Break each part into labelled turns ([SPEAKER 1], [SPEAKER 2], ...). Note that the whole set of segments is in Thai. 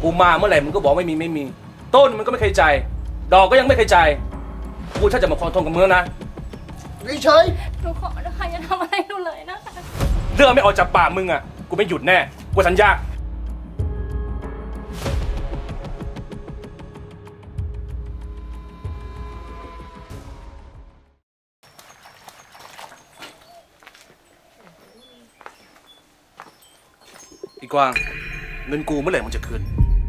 [SPEAKER 1] กูมาเมื่อไหร่มึงก็บอกไม่มีต้นมันก็ไม่เคยจ่ายดอกก็ยังไม่เคยจ่ายกูถ้าจะมาขอโทษกับมึงแล้วนะ
[SPEAKER 2] เฉย
[SPEAKER 3] หนูขอนะคะอย่าทำอะไรหนูเลยนะคะ
[SPEAKER 1] เรื่องไม่ออกจากปากมึงอ่ะกูไม่หยุดแน่กูสัญญาอีกวางเงินกูเมื่อไหร่มึงจะคืน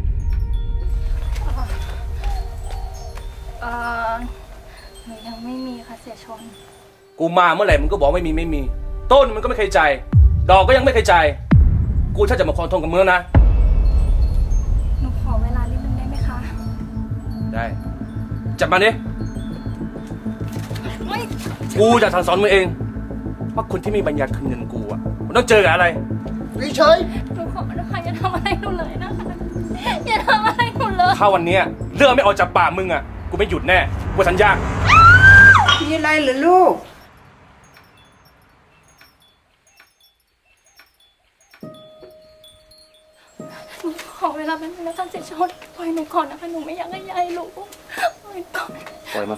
[SPEAKER 3] หนูยังไม่มีค่ะเสียชน
[SPEAKER 1] กูมาเมื่อไหร่มึงก็บอกไม่มีต้นมันก็ไม่เคยจ่ายดอกก็ยังไม่เคยจ่ายกูถ้าจะมาขอโทษกับมึงแล้วนะ
[SPEAKER 3] หนูขอเวลานิดนึงได้ไหมคะ
[SPEAKER 1] ได้จับมาดิ
[SPEAKER 3] ไม่
[SPEAKER 1] กูจะสั่งสอนมึงเองว่าคนที่มีปัญญาคืนเงินกูอ่ะมันต้องเจอกับอะไร
[SPEAKER 2] เฉย
[SPEAKER 3] หนูขอนะคะอย่าทำอะไรหนูเลยนะคะอย่าทำอะไรหนูเลย
[SPEAKER 1] ถ้าวันเนี้ยเรื่องไม่ออกจากปากมึงอ่ะกูไม่หยุดแน่กูสัญญา
[SPEAKER 4] มีอะไรเหรือลูก
[SPEAKER 3] หนูขอเวลาเป็นงนะคะเสียชนปล่อยหนูก่อนนะคะหนูไม่อยากให้ยายรู้ปล่อยก่อน
[SPEAKER 1] ปล่อยมัน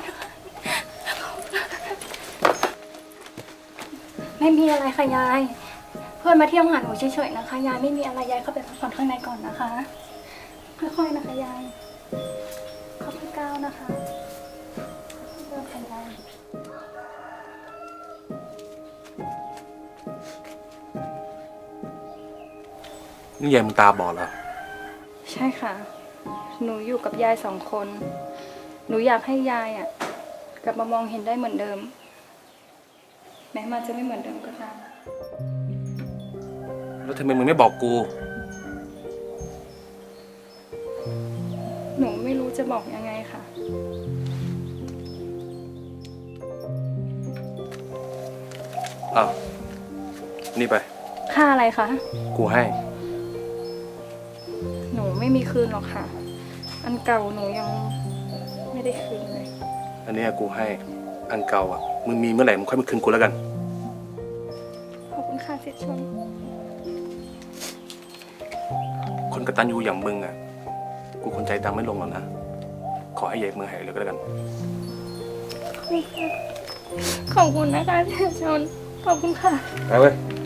[SPEAKER 3] ไม่มีอะไรค่ะยาย เพื่อนมาเที่ยวหาหนูเฉยๆนะคะยายไม่มีอะไรยายเข้าไปพักผ่อนข้างในก่อนนะคะค่อยๆนะคะยายค่อยๆก้าวนะคะค่อยๆค่ะยาย
[SPEAKER 1] นี่ยายมึงตาบอดเหรอ
[SPEAKER 3] ใช่ค่ะ หนูอยู่กับยาย2 คน หนูอยากให้ยายอ่ะกลับมามองเห็นได้เหมือนเดิม แม้มันจะไม่เหมือนเดิมก็ตาม
[SPEAKER 1] แล้วทำไมมึงไม่บอกกู
[SPEAKER 3] หนูไม่รู้จะบอกยังไงค่ะ
[SPEAKER 1] อ้าวนี่ไป
[SPEAKER 3] ค่าอะไรคะ
[SPEAKER 1] กูให้
[SPEAKER 3] หนูไม่มีคืนหรอกค่ะ อันเก่าหนูยังไม่ได้คืนเลย
[SPEAKER 1] อันเนี้ยกูให้อันเก่าอ่ะมึงมีเมื่อไหร่มึงค่อยมาคืนกูแล้วกัน
[SPEAKER 3] ขอบคุณค่ะเสียชน
[SPEAKER 1] คนกตัญญูอย่างมึงอ่ะกูคนใจดำไม่ลงหรอกนะขอให้ยายมึงหายเลยก็แล้วกัน
[SPEAKER 3] ขอบคุณนะคะเสียชน ขอบคุณค่ะ
[SPEAKER 1] ไปเว้ย
[SPEAKER 3] ข